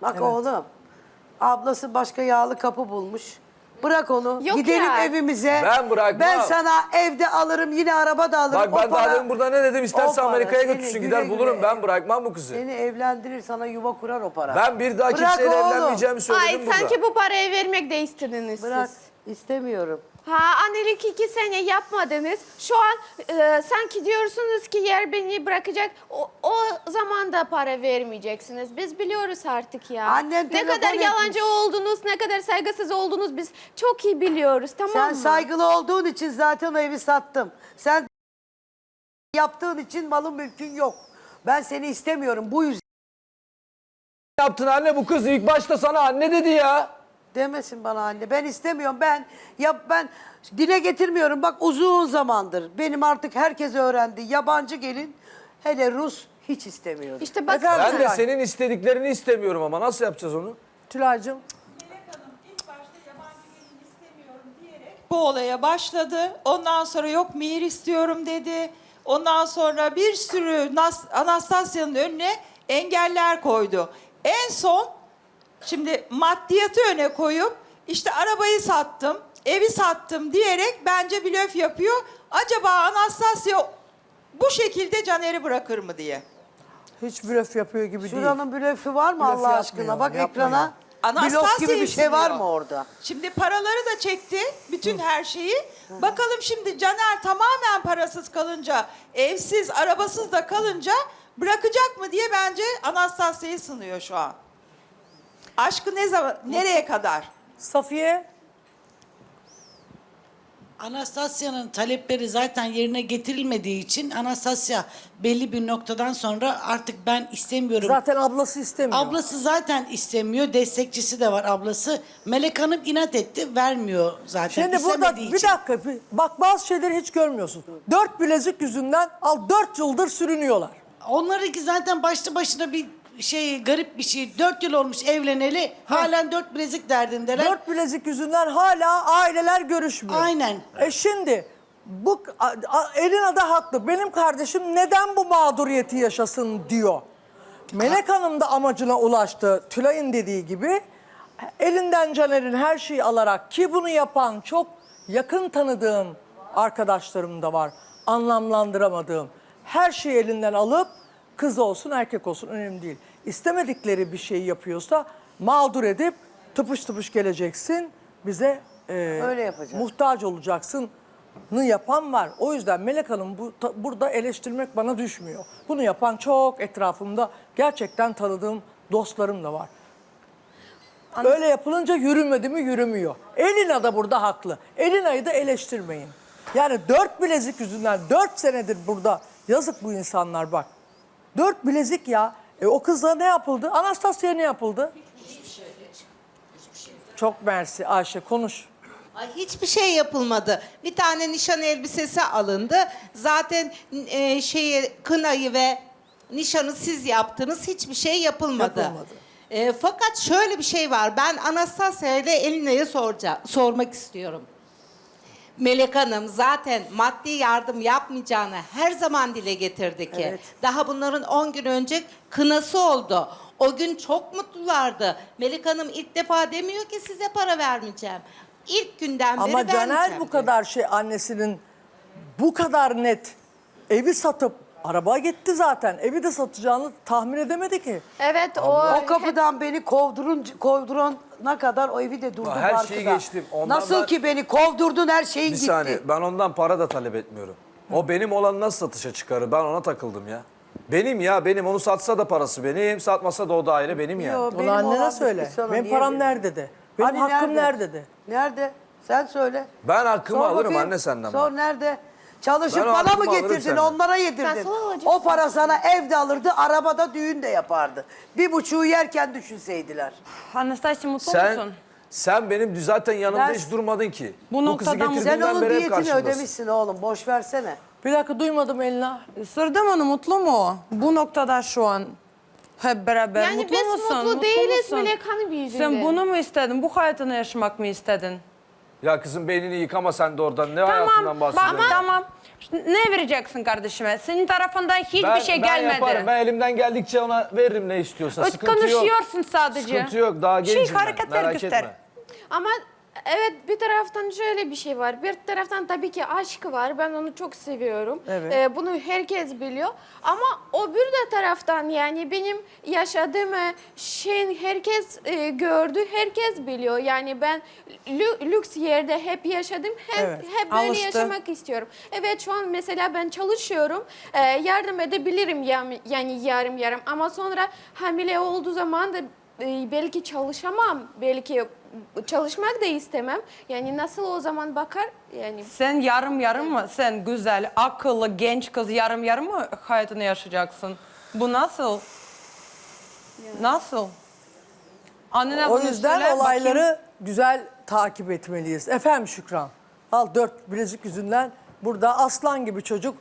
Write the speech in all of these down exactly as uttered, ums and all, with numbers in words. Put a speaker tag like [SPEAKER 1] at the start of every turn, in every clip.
[SPEAKER 1] Bak
[SPEAKER 2] Evet.
[SPEAKER 1] oğlum. Ablası başka yağlı kapı bulmuş. Bırak onu.
[SPEAKER 3] Yok
[SPEAKER 1] Gidelim
[SPEAKER 3] ya.
[SPEAKER 1] evimize.
[SPEAKER 4] Ben bırakmam.
[SPEAKER 1] Ben sana evde alırım, yine araba da alırım.
[SPEAKER 4] Bak ben
[SPEAKER 1] O
[SPEAKER 4] daha
[SPEAKER 1] para-
[SPEAKER 4] demin burada ne dedim? İsterse
[SPEAKER 1] o para
[SPEAKER 4] Amerika'ya
[SPEAKER 1] seni
[SPEAKER 4] götürsün
[SPEAKER 1] güle
[SPEAKER 4] gider
[SPEAKER 1] güle
[SPEAKER 4] bulurum. Ben
[SPEAKER 1] ev-
[SPEAKER 4] bırakmam bu kızı.
[SPEAKER 1] Seni evlendirir, sana yuva kurar o para.
[SPEAKER 4] Ben bir daha
[SPEAKER 1] Bırak
[SPEAKER 4] kimseyle
[SPEAKER 1] oğlum.
[SPEAKER 4] evlenmeyeceğimi söyledim
[SPEAKER 3] Ay
[SPEAKER 4] burada.
[SPEAKER 3] sanki bu parayı vermek de istediniz
[SPEAKER 1] Bırak.
[SPEAKER 3] siz.
[SPEAKER 1] İstemiyorum.
[SPEAKER 3] Ha annelik iki sene yapmadınız. Şu an e, sanki diyorsunuz ki yer beni bırakacak. O, o zaman da para vermeyeceksiniz. Biz biliyoruz artık ya.
[SPEAKER 1] Annen
[SPEAKER 3] ne
[SPEAKER 1] telefon
[SPEAKER 3] kadar yalancı
[SPEAKER 1] etmiş.
[SPEAKER 3] oldunuz, ne kadar saygısız oldunuz biz çok iyi biliyoruz, tamam
[SPEAKER 1] Sen
[SPEAKER 3] mı?
[SPEAKER 1] saygılı olduğun için zaten o evi sattım. Sen yaptığın için malın mülkün yok. Ben seni istemiyorum bu yüzden.
[SPEAKER 4] Yaptın anne, bu kız ilk başta sana anne dedi ya.
[SPEAKER 1] Demesin bana anne. Ben istemiyorum. Ben ya ben dile getirmiyorum. Bak uzun zamandır. Benim artık herkes öğrendi. Yabancı gelin, hele Rus hiç istemiyorum.
[SPEAKER 3] İşte bak
[SPEAKER 2] Efendim?
[SPEAKER 4] Ben de senin istediklerini istemiyorum ama nasıl yapacağız onu?
[SPEAKER 2] Tülay'cığım.
[SPEAKER 5] Melek Hanım ilk başta yabancı gelin istemiyorum diyerek bu olaya başladı. Ondan sonra yok mihir istiyorum dedi. Ondan sonra bir sürü Nas- Anastasya'nın önüne engeller koydu. En son şimdi maddiyatı öne koyup işte arabayı sattım, evi sattım diyerek bence blöf yapıyor. Acaba Anastasya bu şekilde Caner'i bırakır mı diye.
[SPEAKER 2] Hiç blöf yapıyor gibi değil.
[SPEAKER 1] Şuranın blöfü var mı
[SPEAKER 2] Blöf
[SPEAKER 1] Allah
[SPEAKER 2] yapmıyor,
[SPEAKER 1] aşkına? Bak
[SPEAKER 2] yapmıyor.
[SPEAKER 1] ekrana.
[SPEAKER 5] Anastasya
[SPEAKER 1] Blok gibi bir şey var
[SPEAKER 5] istiyor.
[SPEAKER 1] mı orada?
[SPEAKER 5] Şimdi paraları da çekti, bütün her şeyi. Bakalım şimdi Caner tamamen parasız kalınca, evsiz, arabasız da kalınca bırakacak mı diye bence Anastasya'yı sınıyor şu an. Aşkı ne zaman, nereye kadar?
[SPEAKER 2] Safiye.
[SPEAKER 6] Anastasya'nın talepleri zaten yerine getirilmediği için Anastasya belli bir noktadan sonra artık ben istemiyorum.
[SPEAKER 2] Zaten ablası istemiyor.
[SPEAKER 6] Ablası zaten istemiyor. Destekçisi de var ablası. Melek Hanım inat etti. Vermiyor zaten.
[SPEAKER 2] Şimdi burada
[SPEAKER 6] istemediği
[SPEAKER 2] bir
[SPEAKER 6] için.
[SPEAKER 2] dakika. bir- Bak bazı şeyleri hiç görmüyorsun. Dört bilezik yüzünden al dört yıldır sürünüyorlar.
[SPEAKER 6] Onlarınki zaten başlı başına bir şey, garip bir şey. Dört yıl olmuş evleneli. Halen dört bilezik derdindeler.
[SPEAKER 2] Dört bilezik yüzünden hala aileler görüşmüyor.
[SPEAKER 6] Aynen.
[SPEAKER 2] E şimdi bu a- a- Elina da haklı. Benim kardeşim neden bu mağduriyeti yaşasın diyor. Melek Hanım da amacına ulaştı. Tülay'ın dediği gibi elinden Caner'in her şeyi alarak, ki bunu yapan çok yakın tanıdığım arkadaşlarım da var. Anlamlandıramadığım. Her şeyi elinden alıp kız olsun erkek olsun önemli değil. İstemedikleri bir şeyi yapıyorsa mağdur edip tıpış tıpış geleceksin bize e,
[SPEAKER 1] Öyle yapacağız.
[SPEAKER 2] muhtaç olacaksın nı yapan var. O yüzden Melek Hanım bu, ta- burada eleştirmek bana düşmüyor. Bunu yapan çok etrafımda gerçekten tanıdığım dostlarım da var. Öyle yapılınca yürümedi mi yürümüyor. Elina da burada haklı. Elina'yı da eleştirmeyin. Yani dört bilezik yüzünden dört senedir burada yazık bu insanlar bak. Dört bilezik ya. E o kızla ne yapıldı? Anastasya'ya ne yapıldı? Çok mersi Ayşe konuş.
[SPEAKER 7] Ay, hiçbir şey yapılmadı. Bir tane nişan elbisesi alındı. Zaten e, şeyi kınayı ve nişanı siz yaptınız. Hiçbir şey yapılmadı.
[SPEAKER 2] Yapılmadı.
[SPEAKER 7] E, fakat şöyle bir şey var. Ben Anastasya ile Elina'ya soracağım, sormak istiyorum. Melek Hanım zaten maddi yardım yapmayacağını her zaman dile getirdi ki.
[SPEAKER 1] Evet.
[SPEAKER 7] Daha bunların on gün önce kınası oldu. O gün çok mutlulardı. Melek Hanım ilk defa demiyor ki size para vermeyeceğim. İlk günden beri
[SPEAKER 2] Ama Caner
[SPEAKER 7] vermeyeceğim
[SPEAKER 2] bu
[SPEAKER 7] diyor.
[SPEAKER 2] kadar şey annesinin bu kadar net evi satıp araba gitti zaten. Evi de satacağını tahmin edemedi ki.
[SPEAKER 3] evet o,
[SPEAKER 1] O kapıdan beni kovdurun, kovdurana kadar o evi de durdu
[SPEAKER 4] Her şeyi
[SPEAKER 1] arkada.
[SPEAKER 4] geçtim. Ondan
[SPEAKER 1] Nasıl
[SPEAKER 4] ben-
[SPEAKER 1] ki beni kovdurdun, her şeyin
[SPEAKER 4] Bir
[SPEAKER 1] gitti.
[SPEAKER 4] saniye, ben ondan para da talep etmiyorum. O benim olan nasıl satışa çıkarır? Ben ona takıldım ya. Benim ya, benim. Onu satsa da parası benim, satmasa da o daire benim yani.
[SPEAKER 1] Yo,
[SPEAKER 2] Onu
[SPEAKER 1] benim
[SPEAKER 2] annene
[SPEAKER 1] olan
[SPEAKER 2] söyle.
[SPEAKER 1] bir sana
[SPEAKER 2] Benim
[SPEAKER 1] niye
[SPEAKER 2] param
[SPEAKER 1] verin?
[SPEAKER 2] nerede de. Benim
[SPEAKER 1] Hani
[SPEAKER 2] hakkım nerede de.
[SPEAKER 1] Nerede? Sen söyle.
[SPEAKER 4] Ben hakkımı
[SPEAKER 1] Sor
[SPEAKER 4] alırım
[SPEAKER 1] bakayım.
[SPEAKER 4] anne senden.
[SPEAKER 1] Sor
[SPEAKER 4] bak.
[SPEAKER 1] nerede? Çalışıp
[SPEAKER 4] Ben o
[SPEAKER 1] bana mı
[SPEAKER 4] hakkımı alırım
[SPEAKER 1] getirdin,
[SPEAKER 4] senden.
[SPEAKER 1] onlara
[SPEAKER 3] Ben
[SPEAKER 1] yedirdin.
[SPEAKER 3] sana alacağım.
[SPEAKER 1] O para sana evde alırdı, arabada düğün de yapardı. Bir buçuğu yerken düşünseydiler.
[SPEAKER 8] Anastasya mutlu
[SPEAKER 4] Sen,
[SPEAKER 8] musun?
[SPEAKER 4] sen benim zaten yanımda
[SPEAKER 8] Ben-
[SPEAKER 4] hiç durmadın ki.
[SPEAKER 8] Bu
[SPEAKER 4] Bu kızı
[SPEAKER 8] noktadan-
[SPEAKER 1] Sen
[SPEAKER 4] getirdiğinden
[SPEAKER 1] onun
[SPEAKER 4] beri hep
[SPEAKER 1] diyetini
[SPEAKER 4] karşımdasın.
[SPEAKER 1] ödemişsin oğlum, boş versene.
[SPEAKER 2] Bir dakika duymadım Elina.
[SPEAKER 8] Sordum onu mutlu mu? Bu noktada şu an hep beraber
[SPEAKER 3] Yani
[SPEAKER 8] mutlu
[SPEAKER 3] biz
[SPEAKER 8] musun?
[SPEAKER 3] mutlu değiliz
[SPEAKER 8] musun?
[SPEAKER 3] Melek Hanım yüzünden.
[SPEAKER 8] Sen bunu mu istedin? Bu hayatını yaşamak mı istedin?
[SPEAKER 4] Ya kızım beynini yıkama sen de oradan. Ne hayatından
[SPEAKER 8] Tamam,
[SPEAKER 4] bahsediyorsun?
[SPEAKER 8] bak tamam. Ne vereceksin kardeşime? Senin tarafından hiçbir
[SPEAKER 4] ben,
[SPEAKER 8] şey
[SPEAKER 4] ben
[SPEAKER 8] gelmedi.
[SPEAKER 4] yaparım. Ben elimden geldikçe ona veririm ne istiyorsa.
[SPEAKER 8] Öt
[SPEAKER 4] Sıkıntı yok.
[SPEAKER 8] konuşuyorsun sadece.
[SPEAKER 4] Sıkıntı yok. Daha
[SPEAKER 8] Şey,
[SPEAKER 4] gencim ben.
[SPEAKER 8] hareketler
[SPEAKER 4] Merak
[SPEAKER 8] göster.
[SPEAKER 4] etme.
[SPEAKER 3] Ama evet, bir taraftan şöyle bir şey var. Bir taraftan tabii ki aşk var. Ben onu çok seviyorum.
[SPEAKER 2] Evet.
[SPEAKER 3] Ee, bunu herkes biliyor. Ama o bir de taraftan yani benim yaşadığım şeyin herkes e, gördü, herkes biliyor. Yani ben lü- lüks yerde hep yaşadım. Hep,
[SPEAKER 2] Evet,
[SPEAKER 3] hep böyle
[SPEAKER 2] alıştı.
[SPEAKER 3] yaşamak istiyorum. Evet, şu an mesela ben çalışıyorum. Ee, yardım edebilirim yani, yani yarım yarım. Ama sonra hamile olduğu zaman da e, belki çalışamam. Belki çalışmak da istemem. Yani nasıl o zaman bakar? Yani
[SPEAKER 8] Sen yarım yarım mı? Sen güzel, akıllı, genç kız yarım yarım mı hayatını yaşayacaksın? Bu nasıl? Nasıl? Annene
[SPEAKER 2] O
[SPEAKER 8] bunu
[SPEAKER 2] yüzden
[SPEAKER 8] söyle,
[SPEAKER 2] olayları
[SPEAKER 8] bakayım.
[SPEAKER 2] güzel takip etmeliyiz. Efendim Şükran. Al dört bilezik yüzünden burada aslan gibi çocuk.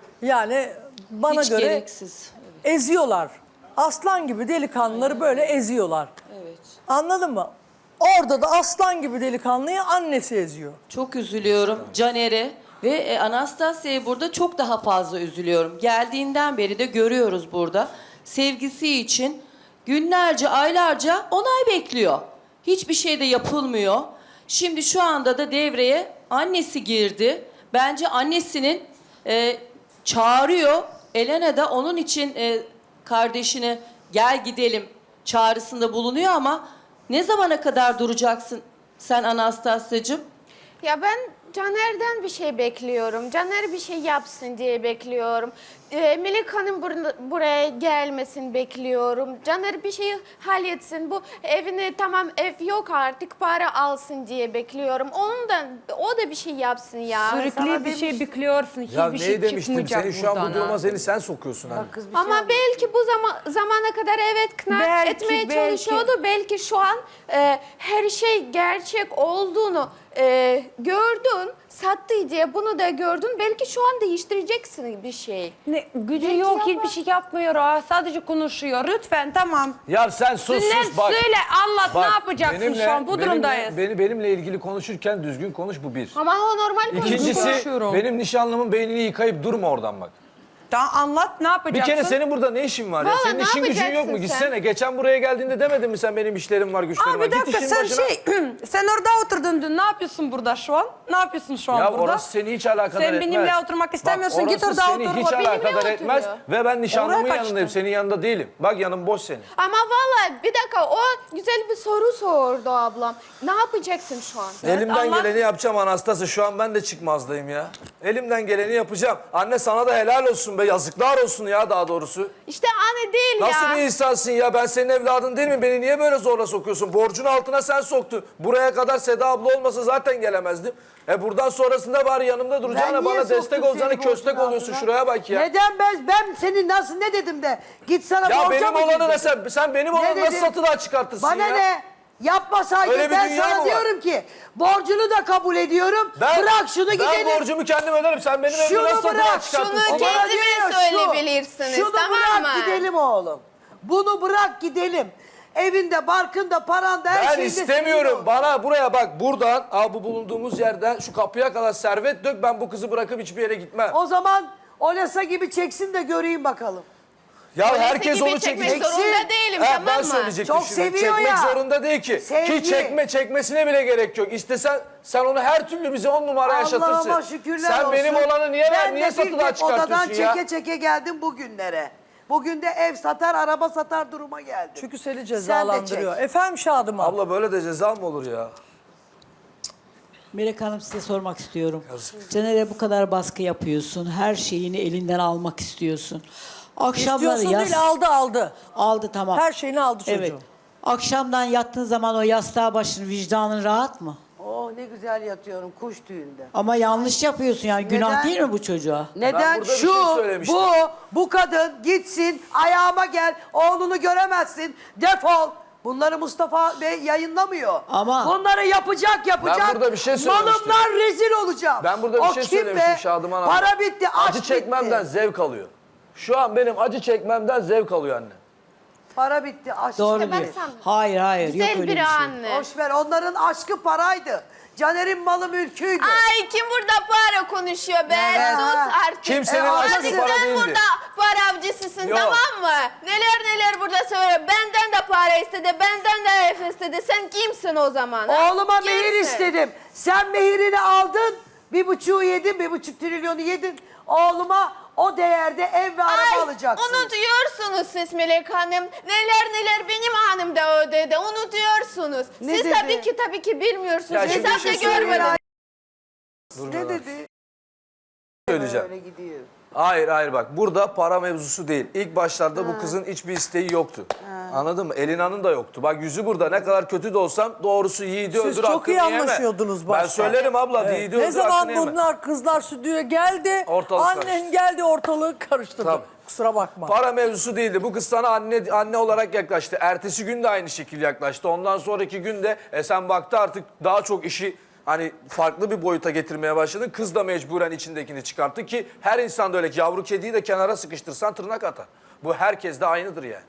[SPEAKER 2] Yani bana
[SPEAKER 9] Hiç
[SPEAKER 2] göre
[SPEAKER 9] gereksiz.
[SPEAKER 2] eziyorlar. Aslan gibi delikanlıları böyle eziyorlar.
[SPEAKER 9] Evet.
[SPEAKER 2] Anladın mı? Orada da aslan gibi delikanlıyı annesi eziyor.
[SPEAKER 9] Çok üzülüyorum Caner'e ve e, Anastasya'ya burada çok daha fazla üzülüyorum. Geldiğinden beri de görüyoruz burada. Sevgisi için günlerce, aylarca onay bekliyor. Hiçbir şey de yapılmıyor. Şimdi şu anda da devreye annesi girdi. Bence annesinin e, çağırıyor. Elena da onun için e, kardeşine gel gidelim çağrısında bulunuyor ama ne zamana kadar duracaksın sen Anastasya'cığım?
[SPEAKER 3] ya ben Caner'den bir şey bekliyorum. Caner bir şey yapsın diye bekliyorum. Ee, Melek Hanım bur- buraya gelmesin bekliyorum. Caner bir şey halletsin. Bu evine tamam ev yok artık para alsın diye bekliyorum. Onun da o da bir şey yapsın ya.
[SPEAKER 8] Sürekli bir şey bekliyorsun,
[SPEAKER 4] Ya
[SPEAKER 8] hiçbir
[SPEAKER 4] neyi
[SPEAKER 8] şey
[SPEAKER 4] demiştim?
[SPEAKER 8] çıkmayacak
[SPEAKER 4] Seni şu an
[SPEAKER 8] buradan
[SPEAKER 4] bu duruma
[SPEAKER 8] ha.
[SPEAKER 4] seni sen sokuyorsun anne.
[SPEAKER 1] Kız bir şey
[SPEAKER 3] Ama
[SPEAKER 1] anlat.
[SPEAKER 3] belki bu zaman zamana kadar evet kına
[SPEAKER 8] Belki,
[SPEAKER 3] etmeye
[SPEAKER 8] belki.
[SPEAKER 3] çalışıyordu. Belki şu an e, her şey gerçek olduğunu e, gördün, sattı diye bunu da gördün. Belki şu an değiştireceksin bir şey.
[SPEAKER 8] Ne, gücü
[SPEAKER 3] Belki
[SPEAKER 8] yok,
[SPEAKER 3] yapar.
[SPEAKER 8] hiçbir şey yapmıyor. Ha, sadece konuşuyor. Lütfen tamam.
[SPEAKER 4] Ya sen sus
[SPEAKER 8] Sünnет
[SPEAKER 4] sus bak.
[SPEAKER 8] söyle, anlat
[SPEAKER 4] Bak,
[SPEAKER 8] ne yapacaksın
[SPEAKER 4] benimle-
[SPEAKER 8] şu an? Bu
[SPEAKER 4] benimle-
[SPEAKER 8] durumdayız.
[SPEAKER 4] Beni, benimle ilgili konuşurken düzgün konuş bu bir.
[SPEAKER 3] Ama o normal konuşuyor.
[SPEAKER 4] İkincisi
[SPEAKER 8] konuşuyorum.
[SPEAKER 4] benim nişanlımın beynini yıkayıp durma oradan bak.
[SPEAKER 8] Daha anlat ne
[SPEAKER 4] Bir
[SPEAKER 8] yapacaksın?
[SPEAKER 4] kere senin burada ne işin var ya?
[SPEAKER 3] Vallahi
[SPEAKER 4] Senin
[SPEAKER 3] ne
[SPEAKER 4] işin gücün yok
[SPEAKER 3] yapacaksın
[SPEAKER 4] mu?
[SPEAKER 3] sen?
[SPEAKER 4] Gitsene. Geçen buraya geldiğinde demedin mi sen benim işlerim var güçlerim
[SPEAKER 8] Aa,
[SPEAKER 4] var?
[SPEAKER 8] bir dakika
[SPEAKER 4] Git işin
[SPEAKER 8] sen
[SPEAKER 4] başına.
[SPEAKER 8] şey, sen orada oturdun dün. Ne yapıyorsun burada şu an? Ne yapıyorsun şu an
[SPEAKER 4] Ya
[SPEAKER 8] burada?
[SPEAKER 4] orası seni hiç alakadar
[SPEAKER 8] Sen
[SPEAKER 4] etmez.
[SPEAKER 8] benimle oturmak istemiyorsun,
[SPEAKER 4] Bak,
[SPEAKER 8] git
[SPEAKER 4] orası
[SPEAKER 8] orada
[SPEAKER 4] seni
[SPEAKER 8] otur.
[SPEAKER 4] hiç
[SPEAKER 8] O benimle
[SPEAKER 4] alakadar
[SPEAKER 3] oturuyor.
[SPEAKER 4] etmez. Ve ben nişanlımın
[SPEAKER 8] Oraya
[SPEAKER 4] yanındayım.
[SPEAKER 8] kaçtın.
[SPEAKER 4] Senin yanında değilim. Bak yanım boş senin.
[SPEAKER 3] Ama vallahi bir dakika o güzel bir soru sordu ablam. Ne yapacaksın şu an?
[SPEAKER 4] Elimden
[SPEAKER 8] Allah-
[SPEAKER 4] geleni yapacağım Anastasya. Şu an ben de çıkmazdayım ya. Elimden geleni yapacağım. Anne sana da helal olsun be. Yazıklar olsun ya daha doğrusu.
[SPEAKER 3] İşte anne değil
[SPEAKER 4] Nasıl
[SPEAKER 3] ya.
[SPEAKER 4] bir insansın ya? Ben senin evladın değil mi? Beni niye böyle zorla sokuyorsun? Borcun altına sen soktun. Buraya kadar Seda abla olmasa zaten gelemezdim. E buradan sonrasında bari yanımda duracağına
[SPEAKER 1] Ben niye
[SPEAKER 4] bana destek
[SPEAKER 1] soktum
[SPEAKER 4] olacağına
[SPEAKER 1] seni
[SPEAKER 4] köstek
[SPEAKER 1] borcun
[SPEAKER 4] oluyorsun.
[SPEAKER 1] altına?
[SPEAKER 4] Şuraya bak ya.
[SPEAKER 1] Neden ben ben senin nasıl ne dedim de git sana
[SPEAKER 4] Ya
[SPEAKER 1] borca
[SPEAKER 4] benim
[SPEAKER 1] mı
[SPEAKER 4] olanı
[SPEAKER 1] girdin?
[SPEAKER 4] ne sen, sen benim
[SPEAKER 1] Ne
[SPEAKER 4] olanı nasıl
[SPEAKER 1] dedim?
[SPEAKER 4] satılığa çıkartırsın
[SPEAKER 1] Bana
[SPEAKER 4] ya?
[SPEAKER 1] ne? Yapmasaydın
[SPEAKER 4] Öyle bir
[SPEAKER 1] ben
[SPEAKER 4] dünya
[SPEAKER 1] sana
[SPEAKER 4] mı var?
[SPEAKER 1] diyorum ki borcunu da kabul ediyorum.
[SPEAKER 4] Ben,
[SPEAKER 1] bırak şunu gidelim.
[SPEAKER 4] Ben borcumu kendim öderim. Sen benim evimi
[SPEAKER 1] Şunu
[SPEAKER 4] nasıl satılığa
[SPEAKER 1] bırak,
[SPEAKER 4] çıkartırsın?
[SPEAKER 3] şunu
[SPEAKER 1] O bana
[SPEAKER 3] kendime
[SPEAKER 1] diyor ya, şu,
[SPEAKER 3] söyleyebilirsiniz,
[SPEAKER 1] Şunu
[SPEAKER 3] tamam
[SPEAKER 1] bırak
[SPEAKER 3] mı?
[SPEAKER 1] gidelim oğlum. Bunu bırak gidelim. Evinde, barkında, paranda her
[SPEAKER 4] Ben
[SPEAKER 1] şeyinde
[SPEAKER 4] istemiyorum.
[SPEAKER 1] senin ol.
[SPEAKER 4] Bana buraya bak buradan abi bu bulunduğumuz yerden şu kapıya kadar servet dök. Ben bu kızı bırakıp hiçbir yere gitmem.
[SPEAKER 1] O zaman Olesa gibi çeksin de göreyim bakalım.
[SPEAKER 4] Ya
[SPEAKER 3] Polise
[SPEAKER 4] herkes
[SPEAKER 3] gibi
[SPEAKER 4] onu
[SPEAKER 3] çekmek
[SPEAKER 4] çekecek.
[SPEAKER 3] zorunda değilim,
[SPEAKER 4] Ha,
[SPEAKER 3] tamam
[SPEAKER 4] ben
[SPEAKER 3] mı?
[SPEAKER 4] söyleyecektim
[SPEAKER 1] Çok
[SPEAKER 4] şimdi.
[SPEAKER 1] seviyor
[SPEAKER 4] Çekmek
[SPEAKER 1] ya.
[SPEAKER 4] zorunda değil ki.
[SPEAKER 1] Sevgi.
[SPEAKER 4] Ki çekme çekmesine bile gerek yok. İstesen sen onu her türlü bize on numara yaşatırsın.
[SPEAKER 1] Allah'ıma şükürler
[SPEAKER 4] sen
[SPEAKER 1] olsun.
[SPEAKER 4] benim olanı niye ver,
[SPEAKER 1] Ben
[SPEAKER 4] niye
[SPEAKER 1] de
[SPEAKER 4] satılığa
[SPEAKER 1] bir tek odadan
[SPEAKER 4] çıkartıyorsun ya?
[SPEAKER 1] çeke çeke geldim bugünlere. Bugün de ev satar, araba satar duruma geldim.
[SPEAKER 2] Çünkü seni
[SPEAKER 1] Sen de
[SPEAKER 2] cezalandırıyor.
[SPEAKER 1] çek.
[SPEAKER 2] Efendim Şadıman.
[SPEAKER 4] Abla böyle de ceza mı olur ya?
[SPEAKER 10] Melek Hanım size sormak istiyorum. Caner'e bu kadar baskı yapıyorsun. Her şeyini elinden almak istiyorsun. Akşamları
[SPEAKER 2] İstiyorsun
[SPEAKER 10] yas-
[SPEAKER 2] değil aldı aldı.
[SPEAKER 10] aldı tamam.
[SPEAKER 2] Her şeyini aldı çocuğun.
[SPEAKER 10] Evet. Akşamdan yattığın zaman o yastığa başın vicdanın rahat mı?
[SPEAKER 1] Oh ne güzel yatıyorum kuş tüyünde.
[SPEAKER 10] Ama yanlış yapıyorsun yani. Günah
[SPEAKER 1] Neden?
[SPEAKER 10] değil mi bu çocuğa?
[SPEAKER 1] Neden?
[SPEAKER 4] burada bir
[SPEAKER 1] Şu,
[SPEAKER 4] şey söylemiştim.
[SPEAKER 1] bu, bu kadın gitsin ayağıma gel, oğlunu göremezsin, defol. Bunları Mustafa Bey yayınlamıyor.
[SPEAKER 10] Ama-
[SPEAKER 1] Bunları yapacak yapacak.
[SPEAKER 4] Ben burada bir şey söylemiştim.
[SPEAKER 1] Malımdan rezil olacağım.
[SPEAKER 4] Ben burada bir
[SPEAKER 1] O
[SPEAKER 4] şey
[SPEAKER 1] kim
[SPEAKER 4] söylemiştim
[SPEAKER 1] be?
[SPEAKER 4] Şadıman abla.
[SPEAKER 1] Para bitti, aşk
[SPEAKER 4] Acı çekmemden
[SPEAKER 1] bitti.
[SPEAKER 4] zevk alıyor. Şu an benim acı çekmemden zevk alıyor anne.
[SPEAKER 1] Para bitti. Aşk
[SPEAKER 10] Doğru
[SPEAKER 1] bitti.
[SPEAKER 10] diyor.
[SPEAKER 3] sen-
[SPEAKER 10] Hayır hayır yok
[SPEAKER 3] Güzel
[SPEAKER 10] öyle
[SPEAKER 3] bir
[SPEAKER 10] bir şey.
[SPEAKER 3] anne.
[SPEAKER 1] Boş ver, onların aşkı paraydı. Caner'in malı mülküydü.
[SPEAKER 3] Ay kim burada para konuşuyor be?
[SPEAKER 1] Evet.
[SPEAKER 3] Sus artık.
[SPEAKER 4] Kimsenin
[SPEAKER 1] E,
[SPEAKER 4] aşkı
[SPEAKER 3] Hadi
[SPEAKER 4] para
[SPEAKER 3] sen
[SPEAKER 4] değildi.
[SPEAKER 3] burada para avcısısın,
[SPEAKER 4] Yok.
[SPEAKER 3] tamam mı? Neler neler burada söylüyor. Benden de para istedi, benden de ev istedi. Sen kimsin o zaman? ha?
[SPEAKER 1] Oğluma
[SPEAKER 3] Kimsin?
[SPEAKER 1] mehir istedim. Sen mehirini aldın. Bir buçuğu yedin, bir buçuk trilyonu yedin. Oğluma o değerde ev ve araba
[SPEAKER 3] Ay,
[SPEAKER 1] alacaksın.
[SPEAKER 3] unutuyorsunuz siz Melek Hanım. Neler neler benim hanım da ödedi. Unutuyorsunuz.
[SPEAKER 1] Ne
[SPEAKER 3] siz
[SPEAKER 1] dedi?
[SPEAKER 3] tabii ki tabii ki bilmiyorsunuz.
[SPEAKER 4] Ya şimdi bir
[SPEAKER 3] Hesapta
[SPEAKER 4] şey söyleyeyim.
[SPEAKER 3] görmediniz.
[SPEAKER 1] Ne dedi?
[SPEAKER 4] Söyleyeceğim.
[SPEAKER 1] Öyle gidiyor.
[SPEAKER 4] Hayır hayır bak burada para mevzusu değil. İlk başlarda bu kızın hiçbir isteği yoktu. Anladın mı? Elina'nın da yoktu. Bak yüzü burada, ne kadar kötü de olsam doğrusu yiğidi
[SPEAKER 2] Siz
[SPEAKER 4] öldür
[SPEAKER 2] çok
[SPEAKER 4] hakkını
[SPEAKER 2] iyi
[SPEAKER 4] yeme.
[SPEAKER 2] anlaşıyordunuz
[SPEAKER 4] Ben
[SPEAKER 2] başta.
[SPEAKER 4] söylerim abla,
[SPEAKER 2] Evet.
[SPEAKER 4] yiğidi
[SPEAKER 2] Ne
[SPEAKER 4] öldür
[SPEAKER 2] zaman
[SPEAKER 4] hakkını yeme.
[SPEAKER 2] bunlar kızlar stüdyoya geldi,
[SPEAKER 4] Ortalık
[SPEAKER 2] annen
[SPEAKER 4] karıştı.
[SPEAKER 2] geldi ortalığı karıştırdı.
[SPEAKER 4] Tabii.
[SPEAKER 2] Kusura bakma.
[SPEAKER 4] Para mevzusu değildi. Bu kız sana anne anne olarak yaklaştı. Ertesi gün de aynı şekilde yaklaştı. Ondan sonraki gün de e, sen baktı artık daha çok işi hani farklı bir boyuta getirmeye başladın. Kız da mecburen içindekini çıkarttı ki her insan da öyle ki yavru kediyi de kenara sıkıştırsan tırnak atar. Bu herkes de aynıdır yani.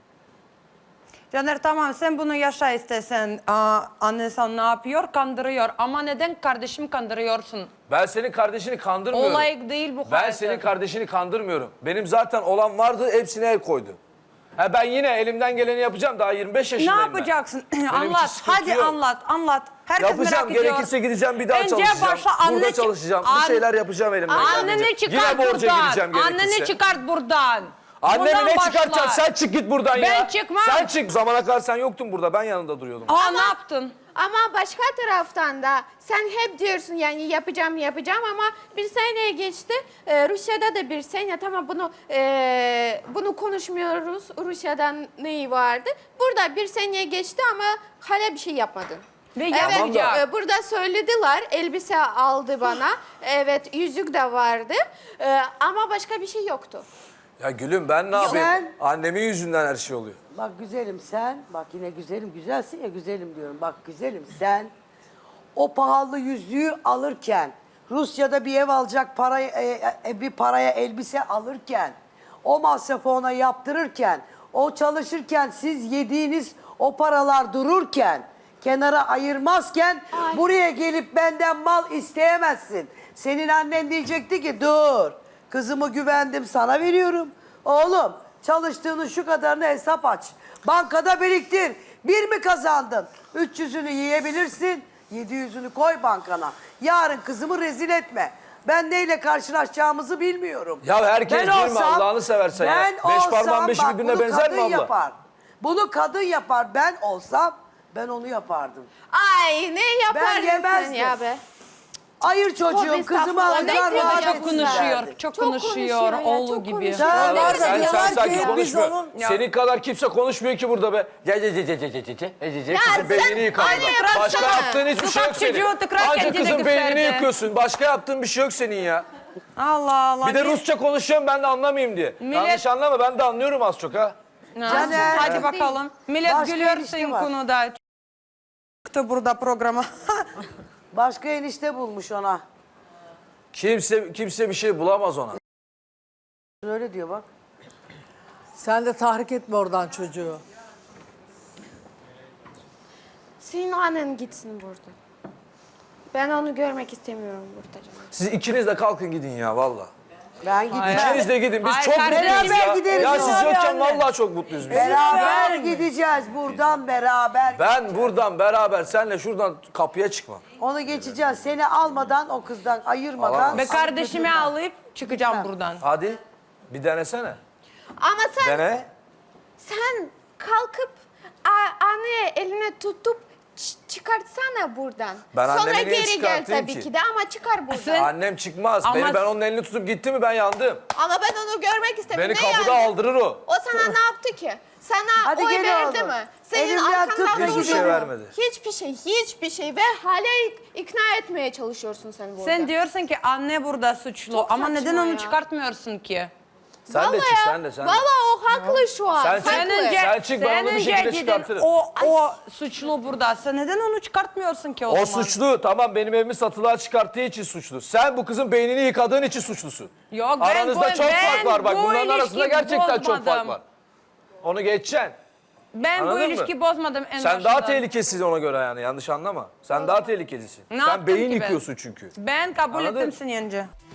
[SPEAKER 8] Caner tamam sen bunu yaşa istesen. Aa, anne sen ne yapıyor? Kandırıyor. Ama neden kardeşimi kandırıyorsun?
[SPEAKER 4] Ben senin kardeşini kandırmıyorum.
[SPEAKER 8] Olay değil bu
[SPEAKER 4] Ben
[SPEAKER 8] hayatı.
[SPEAKER 4] senin kardeşini kandırmıyorum. Benim zaten olan vardı, hepsine el koydu. Ha ben yine elimden geleni yapacağım. Daha yirmi beş
[SPEAKER 8] Ne
[SPEAKER 4] yaşındayım ben.
[SPEAKER 8] yapacaksın?
[SPEAKER 4] Benim için
[SPEAKER 8] anlat.
[SPEAKER 4] sıkıntı
[SPEAKER 8] Hadi
[SPEAKER 4] yok.
[SPEAKER 8] anlat. Anlat. Herkes
[SPEAKER 4] Yapacağım.
[SPEAKER 8] merak ediyor.
[SPEAKER 4] Gerekirse gideceğim bir daha
[SPEAKER 8] Önce
[SPEAKER 4] çalışacağım.
[SPEAKER 8] başla,
[SPEAKER 4] Burada
[SPEAKER 8] anne-
[SPEAKER 4] çalışacağım.
[SPEAKER 8] An-
[SPEAKER 4] Bir şeyler yapacağım elimden
[SPEAKER 8] Anneni
[SPEAKER 4] geldiğince.
[SPEAKER 8] çıkart
[SPEAKER 4] Yine borca
[SPEAKER 8] buradan.
[SPEAKER 4] gireceğim gerekirse.
[SPEAKER 8] Anneni çıkart buradan.
[SPEAKER 4] Annemi
[SPEAKER 8] Buradan
[SPEAKER 4] ne
[SPEAKER 8] başla.
[SPEAKER 4] çıkartacaksın? Sen çık git buradan
[SPEAKER 8] Ben
[SPEAKER 4] ya.
[SPEAKER 8] çıkmam.
[SPEAKER 4] Sen çık. Zamana kadar sen yoktun burada. Ben yanında duruyordum.
[SPEAKER 8] Aa ne yaptın?
[SPEAKER 3] Ama başka taraftan da sen hep diyorsun yani yapacağım yapacağım ama bir sene geçti. Ee, Rusya'da da bir sene tamam bunu e, bunu konuşmuyoruz. Rusya'dan neyi vardı? Burada bir sene geçti ama hala bir şey yapmadın.
[SPEAKER 8] Ve
[SPEAKER 3] Evet,
[SPEAKER 8] yapacak.
[SPEAKER 3] e, burada söylediler, elbise aldı bana. Evet, yüzük de vardı. E, ama başka bir şey yoktu.
[SPEAKER 4] Ya gülüm ben ne yapayım?
[SPEAKER 1] Sen-
[SPEAKER 4] Annemin yüzünden her şey oluyor.
[SPEAKER 1] Bak güzelim sen, bak yine güzelim, güzelsin ya güzelim diyorum. Bak güzelim sen, o pahalı yüzüğü alırken, Rusya'da bir ev alacak parayı, e, e, bir paraya elbise alırken, o masrafı ona yaptırırken, o çalışırken, siz yediğiniz o paralar dururken, kenara ayırmazken, buraya gelip benden mal isteyemezsin. Senin annen diyecekti ki dur, kızımı güvendim sana veriyorum. Oğlum çalıştığının şu kadarını hesap aç. Bankada biriktir. Bir mi kazandın? üç yüzünü yiyebilirsin. yedi yüzünü koy bankana. Yarın kızımı rezil etme. Ben neyle karşılaşacağımızı bilmiyorum.
[SPEAKER 4] Ya herkes değil mi? Allah'ını seversen ya.
[SPEAKER 1] ben
[SPEAKER 4] Beş
[SPEAKER 1] olsam,
[SPEAKER 4] parmağın beşi
[SPEAKER 1] bak,
[SPEAKER 4] birbirine
[SPEAKER 1] bunu
[SPEAKER 4] benzer mi
[SPEAKER 1] kadın
[SPEAKER 4] abla?
[SPEAKER 1] Yapar. Bunu kadın yapar. Ben olsam ben onu yapardım.
[SPEAKER 3] Ay ne yapardın sen
[SPEAKER 1] yemezdim.
[SPEAKER 3] ya be?
[SPEAKER 1] Ayır çocuğum,
[SPEAKER 3] Tövbe
[SPEAKER 1] kızımı
[SPEAKER 3] estağfurullah.
[SPEAKER 1] alacağım
[SPEAKER 3] Ne
[SPEAKER 1] rahat
[SPEAKER 3] diyor?
[SPEAKER 8] Çok
[SPEAKER 1] etsinler.
[SPEAKER 8] konuşuyor. Çok,
[SPEAKER 3] Çok
[SPEAKER 8] konuşuyor.
[SPEAKER 3] konuşuyor ya,
[SPEAKER 8] Oğlu
[SPEAKER 3] çok
[SPEAKER 8] gibi.
[SPEAKER 3] konuşuyor.
[SPEAKER 1] Sen-
[SPEAKER 2] Var da
[SPEAKER 4] Sen,
[SPEAKER 2] diyorlar
[SPEAKER 4] sen sanki
[SPEAKER 2] ki biz
[SPEAKER 4] konuşmuyor.
[SPEAKER 2] onun...
[SPEAKER 4] Senin kadar kimse konuşmuyor ki burada be. Gel gel gel gel gel gel gel gel gel.
[SPEAKER 3] Ya
[SPEAKER 4] Kızın
[SPEAKER 3] sen
[SPEAKER 4] beynini yıkadın.
[SPEAKER 3] anne
[SPEAKER 4] Başka
[SPEAKER 3] bıraksana.
[SPEAKER 4] yaptığın hiçbir şey yok
[SPEAKER 8] Sokak çocuğu
[SPEAKER 4] senin.
[SPEAKER 8] tekrar
[SPEAKER 4] Ancak
[SPEAKER 8] kendine
[SPEAKER 4] kızın beynini
[SPEAKER 8] gösterdi.
[SPEAKER 4] yıkıyorsun. Başka yaptığın bir şey yok senin ya.
[SPEAKER 8] Allah Allah.
[SPEAKER 4] Bir de
[SPEAKER 8] Ne-
[SPEAKER 4] Rusça konuşuyorum ben de anlamayayım diye.
[SPEAKER 8] Millet-
[SPEAKER 4] Yanlış anlama ben de anlıyorum az çok ha.
[SPEAKER 8] Ne?
[SPEAKER 1] Caner.
[SPEAKER 8] Hadi bakalım. Millet
[SPEAKER 1] Başka
[SPEAKER 8] gülüyor
[SPEAKER 1] ilişki
[SPEAKER 8] senin
[SPEAKER 1] var.
[SPEAKER 8] konuda. Çıktı burada programa.
[SPEAKER 1] Başka enişte bulmuş ona.
[SPEAKER 4] Kimse kimse bir şey bulamaz ona.
[SPEAKER 1] Öyle diyor bak.
[SPEAKER 2] Sen de tahrik etme oradan çocuğu.
[SPEAKER 3] Senin annen gitsin burada. Ben onu görmek istemiyorum burada canım.
[SPEAKER 4] Siz ikiniz de kalkın gidin ya valla.
[SPEAKER 1] Ben gideceğim.
[SPEAKER 4] İkiniz de gidin. Biz
[SPEAKER 8] Hayır,
[SPEAKER 4] çok
[SPEAKER 8] kardeşim.
[SPEAKER 4] mutluyuz ya.
[SPEAKER 1] Beraber gideriz
[SPEAKER 4] Ya
[SPEAKER 1] ya.
[SPEAKER 4] siz yokken
[SPEAKER 2] Anne.
[SPEAKER 4] vallahi çok mutluyuz biz.
[SPEAKER 1] Beraber gideceğiz buradan beraber.
[SPEAKER 4] Ben buradan beraber senle şuradan kapıya çıkmam.
[SPEAKER 1] Onu geçeceğiz. Seni almadan o kızdan ayırmadan.
[SPEAKER 4] Alamaz.
[SPEAKER 8] Ve kardeşimi alıp çıkacağım buradan.
[SPEAKER 4] Hadi bir denesene.
[SPEAKER 3] Ama sen
[SPEAKER 4] Dene.
[SPEAKER 3] sen kalkıp a- anne eline tutup ç- çıkartsana buradan.
[SPEAKER 4] Ben
[SPEAKER 3] Sonra
[SPEAKER 4] annemi niye
[SPEAKER 3] geri gel
[SPEAKER 4] çıkartayım
[SPEAKER 3] tabii
[SPEAKER 4] ki?
[SPEAKER 3] ki de ama çıkar buradan.
[SPEAKER 8] Sen-
[SPEAKER 4] Annem çıkmaz.
[SPEAKER 8] Ama-
[SPEAKER 4] Beni ben onun elini tutup gitti mi ben yandım.
[SPEAKER 3] Ama ben onu görmek istemiyorum.
[SPEAKER 4] Beni
[SPEAKER 3] Ne
[SPEAKER 4] kapıda
[SPEAKER 3] yani?
[SPEAKER 4] aldırır o.
[SPEAKER 3] O sana ne yaptı ki? Sana
[SPEAKER 1] Hadi
[SPEAKER 3] oy
[SPEAKER 1] gel
[SPEAKER 3] verdi
[SPEAKER 1] oğlum.
[SPEAKER 3] mi? Senin
[SPEAKER 1] Elimden tut,
[SPEAKER 3] arkandan
[SPEAKER 4] hiçbir
[SPEAKER 3] durdu
[SPEAKER 4] şey
[SPEAKER 3] mu?
[SPEAKER 4] vermedi.
[SPEAKER 3] Hiçbir şey, hiçbir şey ve hala ik- ikna etmeye çalışıyorsun sen burada.
[SPEAKER 8] Sen diyorsun ki anne burada suçlu
[SPEAKER 3] Çok
[SPEAKER 8] ama neden
[SPEAKER 3] saçma
[SPEAKER 8] onu
[SPEAKER 3] ya.
[SPEAKER 8] çıkartmıyorsun ki?
[SPEAKER 4] Sen de
[SPEAKER 3] Vallahi
[SPEAKER 4] çık
[SPEAKER 3] ya,
[SPEAKER 4] sen de sen de.
[SPEAKER 3] Vallahi o haklı şu an.
[SPEAKER 4] Sen
[SPEAKER 3] haklı.
[SPEAKER 4] çık.
[SPEAKER 8] Sen önce,
[SPEAKER 4] Sen çık, ben
[SPEAKER 8] sen
[SPEAKER 4] onu bir
[SPEAKER 8] önce
[SPEAKER 4] şekilde
[SPEAKER 8] dedin,
[SPEAKER 4] çıkartırım.
[SPEAKER 8] O, o suçlu burada. Sen neden onu çıkartmıyorsun ki o,
[SPEAKER 4] O
[SPEAKER 8] zaman?
[SPEAKER 4] suçlu tamam benim evimi satılığa çıkarttığı için suçlu. Sen bu kızın beynini yıkadığın için suçlusun.
[SPEAKER 8] Yok, ben
[SPEAKER 4] Aranızda
[SPEAKER 8] bu-
[SPEAKER 4] çok
[SPEAKER 8] ben
[SPEAKER 4] fark var bak
[SPEAKER 8] bu
[SPEAKER 4] bunların arasında
[SPEAKER 8] ilişkiyi
[SPEAKER 4] gerçekten çok fark
[SPEAKER 8] bozmadım.
[SPEAKER 4] var. Onu geçeceksin.
[SPEAKER 8] Ben bu
[SPEAKER 4] Anladın mı?
[SPEAKER 8] ilişki bozmadım en
[SPEAKER 4] Sen
[SPEAKER 8] başından.
[SPEAKER 4] daha tehlikelisin ona göre yani yanlış anlama. Sen daha tehlikelisin.
[SPEAKER 8] Ne
[SPEAKER 4] Sen
[SPEAKER 8] yaptım
[SPEAKER 4] beyin
[SPEAKER 8] ki ben?
[SPEAKER 4] yıkıyorsun çünkü.
[SPEAKER 8] Ben kabul
[SPEAKER 4] Anladın?
[SPEAKER 8] ettim seni önce.